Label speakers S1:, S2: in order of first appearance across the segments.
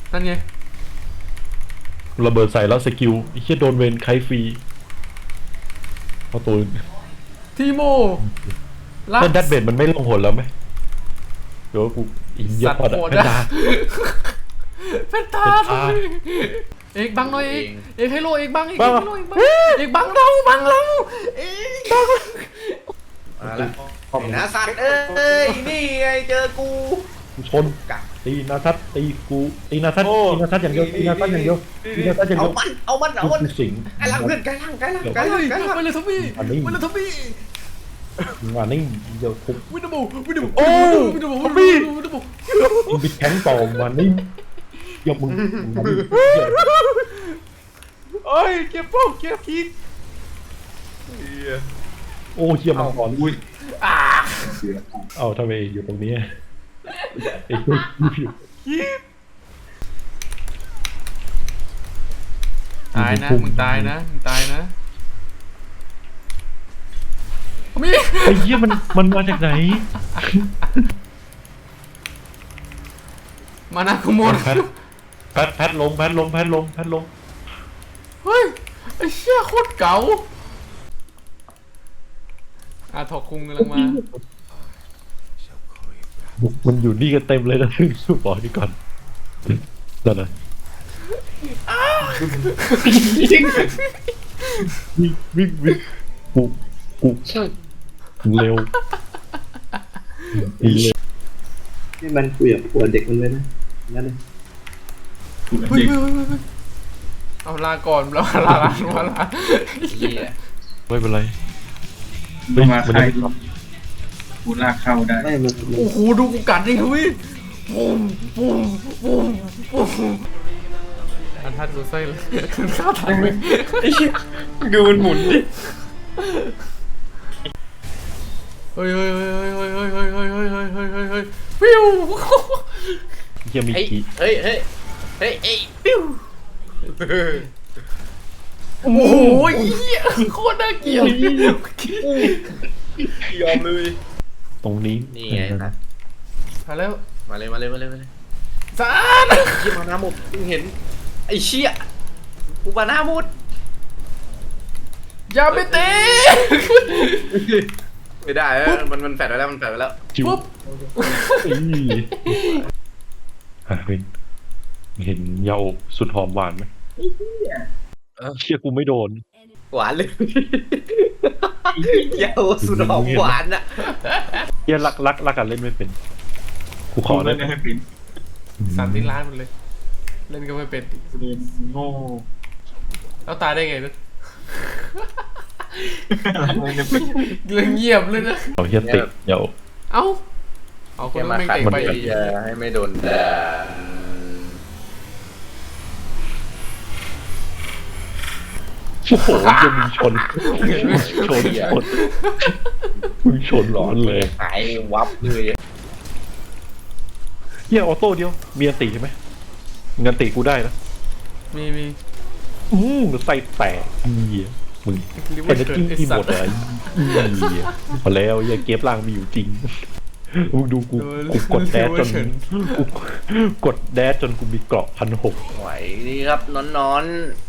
S1: นั่นไง
S2: ระเบิดใส่แล้วสกิลไอ้เหี้ยโดนเวนไคฟรีเอาตัว
S1: ทีโม
S2: แล้วดัดเบดมันไม่ลงหนแล้วไหมเดี๋ยวกูอินเยอะพอดเพนดา
S1: เป็นตาเอกบังหน่อยเอกให้โลเอกบังเอกให้โลเอกบังเอกบังเราเอกบัง
S3: มาแล้วนะสัตว์เอ้ยนี่ไงเจอกู
S2: ชนตีนาทัศตีกูตีนาทัศอย่างเดียวตีนาทัศอย่างเดียว
S3: เอามัน
S2: สิง
S3: ไอ้ล่างเพื่อนไกลล่าง
S1: ไปเลยทวีไปเลยทวี
S2: งานนี้เดี๋ยวทุบ
S1: วินดู
S2: โอ้ทวีมึงไปแข่งต่อวันนี้ยกมึง
S3: โอ้ยเก็บป้องเก็บพี
S2: โอ้เชี่ยมังกรอุ้ยเอาทำไมอยู่ตรงนี้ไอ้พวก
S1: ตายนะมึงตายนะมี
S2: ไอ้เหี้ยมันมาจากไหน
S1: มานะคุโมน
S2: แพทลง
S1: เฮ้ยไอ้เชี่ยโคตรเก๋าถอกคุงกำลังมา
S2: มันอยู่นี่กันเต็มเลยนะสู้บอกนี่ก่อนนั่นนะวิ่งกูเร็ว
S3: นี่มันคุยกับหัวเด็กมันเลยนะนั่นเลย
S1: เอาลาก่อนแล้วลา
S2: ไม่เป็นไร
S4: มาใครกูลากเข้าได้
S1: โอ้โหดูกูกัดดิทุยปุ้มอันทัดดูไส้เลยข้าวทันเลย
S3: ดูมันหมุนดิ
S1: เฮ้ยฟิว
S2: ยังมีกี่
S3: เฮ้ยฟิว
S1: โอ้โหโคตรน่าเกลียด
S3: ยอมเลย
S2: ตรงนี้
S3: นี่ไงนะ
S1: มาแล้ว
S3: มาเลย
S1: สาด
S3: ที่มาหน้าหมดเห็นไอ้เชี่ยกูมาหน้าหมด
S1: อย่าไปเตะ
S3: ไม่ได้มันแฝดไปแล้ว
S1: ปุ๊บ
S2: เห็นเยาสุดหอมหวานไหมเชี่ยกูไม่โดน
S3: หวานเลยเยาสุดหอมหวานอ่ะ
S2: เชี่ยรักกันเล่นไม่เป็นกูขอเล่น
S4: ไม่เป็น
S1: สั่นที่ร้านมันเลยเล่นก็ไม่เป็น
S4: โง่
S1: แล้วตายได้ไงนะเรื่องเงียบเลยนะ
S2: เอาเฮียติเดี๋ยว
S1: เอาคนไม่เตะไป
S3: ให้ไม่โดน
S2: โอ้โหจะมีชนร้อนเลย
S3: หายวับเลย
S2: เฮียออโต้เดียวมีอันติใช่ไหมเงินติกูได้นะ
S1: มี
S2: ใส่แตกเฮียมึงเป็นกิ้งที่หมดเลยพอแล้วอย่าเก็บล่างมีอยู่จริงดูกูกดแดดจนกูมีเกราะ1,600
S3: ไหวดีครับนอน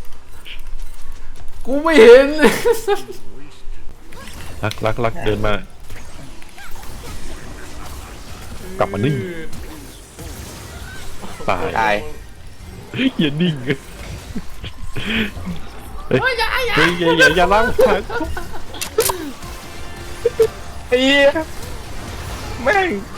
S1: กูไม่เห็น
S2: รักเดินมากลับมานิ่งตายอย่านิ่งอย่าล้างขา
S3: ไอ้แม่ง